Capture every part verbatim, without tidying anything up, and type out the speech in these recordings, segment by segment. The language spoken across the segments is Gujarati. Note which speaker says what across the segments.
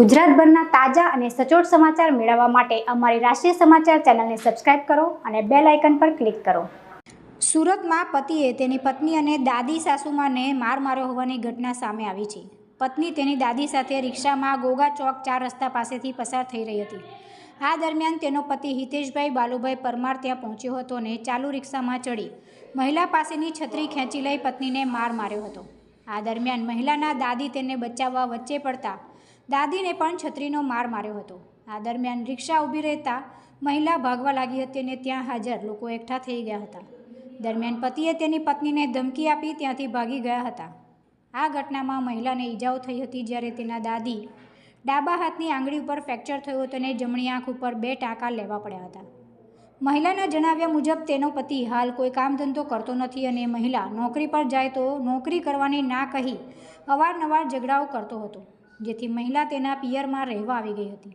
Speaker 1: ગુજરાતભરના તાજા અને સચોટ સમાચાર મેળવવા માટે અમારી રાષ્ટ્રીય સમાચાર ચેનલને સબસ્ક્રાઇબ કરો અને બેલ આઇકન પર ક્લિક કરો। સુરતમાં પતિએ તેની પત્ની અને દાદી સાસુમાને માર માર્યો હોવાની ઘટના સામે આવી છે। પત્ની તેની દાદી સાથે રિક્ષામાં ગોગા ચોક ચાર રસ્તા પાસેથી પસાર થઈ રહી હતી। આ દરમિયાન તેનો પતિ હિતેશભાઈ બાલુભાઈ પરમાર ત્યાં પહોંચ્યો હતો અને ચાલુ રિક્ષામાં ચડી મહિલા પાસેની છત્રી ખેંચી લઈ પત્નીને માર માર્યો હતો। આ દરમિયાન મહિલાના દાદી તેને બચાવવા વચ્ચે પડતા દાદીને પણ છત્રીનો માર માર્યો હતો। આ દરમિયાન રિક્ષા ઊભી રહેતા મહિલા ભાગવા લાગી હતી અને ત્યાં હાજર લોકો એકઠા થઈ ગયા હતા। દરમિયાન પતિએ તેની પત્નીને ધમકી આપી ત્યાંથી ભાગી ગયા હતા। આ ઘટનામાં મહિલાને ઈજાઓ થઈ હતી, જ્યારે તેના દાદી ડાબા હાથની આંગળી ઉપર ફ્રેક્ચર થયું હતું અને જમણી આંખ ઉપર બે ટાંકા લેવા પડ્યા હતા। મહિલાના જણાવ્યા મુજબ તેનો પતિ હાલ કોઈ કામ ધંધો કરતો નથી અને મહિલા નોકરી પર જાય તો નોકરી કરવાની ના કહી અવારનવાર ઝઘડાઓ કરતો હતો, જેથી મહિલા તેના પિયરમાં રહેવા આવી ગઈ હતી।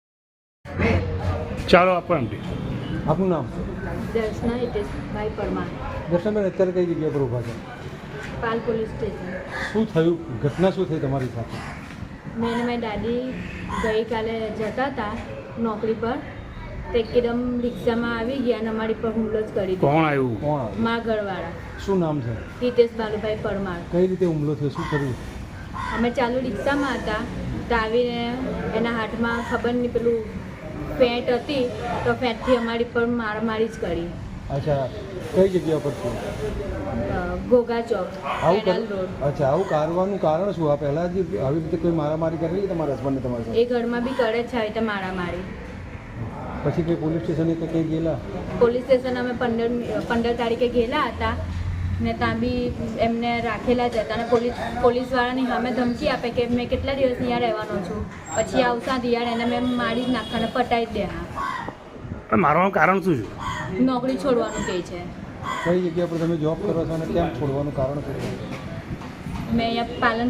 Speaker 2: ચાલો આપણ
Speaker 3: આપનું નામ?
Speaker 4: દર્શના હિતેશભાઈ પરમાર।
Speaker 3: દર્શનભાઈ અત્યારે કઈ જગ્યા પર ઊભા છે?
Speaker 4: Pal police station.
Speaker 3: શું થયું? ઘટના શું થઈ તમારી સાથે?
Speaker 4: મેં અને મારી દાદી ગઈકાલે જતા હતા નોકરી પર, તો એકદમ રિક્ષામાં આવી ગયા અને અમારી પર હુમલો જ કરી દીધો।
Speaker 2: કોણ આવ્યું?
Speaker 3: કોણ આવ્યું?
Speaker 4: મા ઘરવાળા
Speaker 3: શું નામ છે?
Speaker 4: હિતેશ બાલુભાઈ પરમાર।
Speaker 3: કઈ રીતે હુમલો થયો? શું કર્યું?
Speaker 4: અમે ચાલુ રિક્ષામાં હતા તો આવીને એના હાથમાં ખબર નહીં પેલું ફેંટ હતી, તો ફેંટથી અમારી પર મારામારી જ કરી।
Speaker 3: અચ્છા, કઈ જગ્યા પર છે?
Speaker 4: ઘોઘા ચોક,
Speaker 3: આવું
Speaker 4: કેનાલ
Speaker 3: કર-
Speaker 4: રોડ।
Speaker 3: અચ્છા, આવું કરવાનું કારણ શું? આ પહેલાં જ આવી રીતે કોઈ મારામારી કરેલી તમારા હસબન્ડને તમારી સાથે?
Speaker 4: એ ઘરમાં બી કરે છે આવી રીતે મારામારી।
Speaker 3: પછી કંઈ પોલીસ સ્ટેશને કે કંઈ ગયેલા?
Speaker 4: પોલીસ સ્ટેશન અમે પંદર પંદર તારીખે ગયેલા હતા ને ત્યાં બી એમને રાખેલા જ હતા અને પોલીસ પોલીસવાળાની સામે ધમકી આપે કે મેં કેટલા દિવસ ત્યાં રહેવાનો છું, પછી આવતા દિયાળ એને મેં મારી જ નાખવાને પટાવી જ દેવા।
Speaker 2: પણ મારવાનું કારણ શું છે?
Speaker 4: નોકરી છોડવાનું કહે છે।
Speaker 3: કઈ જગ્યા પર તમે જોબ કરો છો અને કેમ છોડવાનું કારણ શું છે?
Speaker 4: મેં અહીંયા પાલન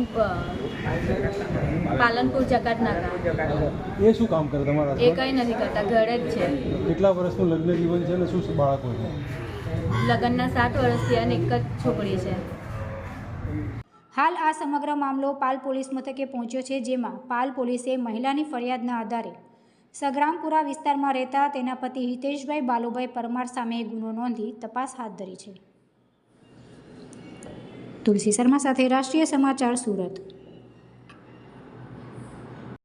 Speaker 4: પાલનપુર જકાત નાકા।
Speaker 3: એ શું કામ કરે તમારા
Speaker 4: એ
Speaker 3: husband?
Speaker 4: કંઈ નથી કરતા, ઘરે જ છે।
Speaker 3: કેટલા વર્ષનું લગ્ન જીવન છે અને શું શું બાળકો છે?
Speaker 4: લગ્નના સાત વર્ષથી અને એક જ છોકરી છે।
Speaker 1: હાલ આ સમગ્ર મામલો પાલ પોલીસ મથકે પહોંચ્યો છે, જેમાં પાલ પોલીસે મહિલાની ફરિયાદના આધારે સગ્રામપુરા વિસ્તારમાં રહેતા તેના પતિ હિતેશભાઈ બાલુભાઈ પરમાર સામે ગુનો નોંધી તપાસ હાથ ધરી છે। તુલસી શર્મા સાથે રાષ્ટ્રીય સમાચાર, સુરત।